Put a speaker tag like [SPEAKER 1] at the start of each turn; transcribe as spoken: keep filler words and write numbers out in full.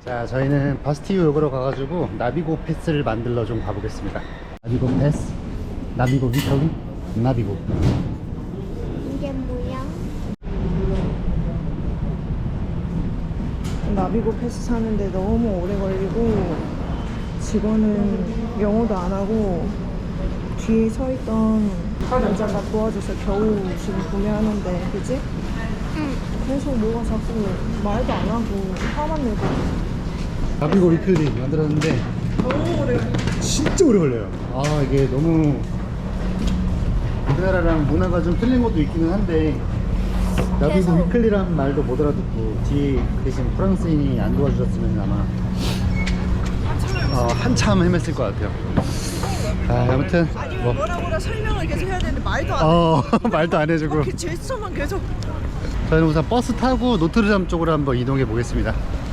[SPEAKER 1] 자, 저희는 바스티유 역으로 가가지고 나비고 패스를 만들러 좀 가보겠습니다. 나비고 패스, 나비고 위터기, 나비고.
[SPEAKER 2] 이게 뭐야?
[SPEAKER 3] 나비고 패스 사는데 너무 오래 걸리고 직원은 영어도 안 하고 뒤에 서 있던 남자가 도와줘서 겨우 지금 구매하는데, 그지?
[SPEAKER 2] 응.
[SPEAKER 3] 계속 뭐가 자꾸 말도 안 하고 화만 내고.
[SPEAKER 1] 나비고 위클리 만들었는데
[SPEAKER 3] 너무 오래.
[SPEAKER 1] 진짜 오래 걸려요. 아, 이게 너무 우리나라랑 문화가 좀 틀린 것도 있기는 한데, 나비고
[SPEAKER 3] 계속.
[SPEAKER 1] 위클리란 말도 못 알아듣고 뒤에 대신 프랑스인이 안 도와주셨으면 아마 어, 한참 헤맸을 것 같아요. 아, 아무튼
[SPEAKER 3] 아니면
[SPEAKER 1] 뭐
[SPEAKER 3] 뭐라 뭐라 설명을 계속 해야 되는데 말도 안 해.
[SPEAKER 1] 어, 말도 안 해주고
[SPEAKER 3] 그 제스처만 계속.
[SPEAKER 1] 저희는 우선 버스 타고 노트르담 쪽으로 한번 이동해 보겠습니다.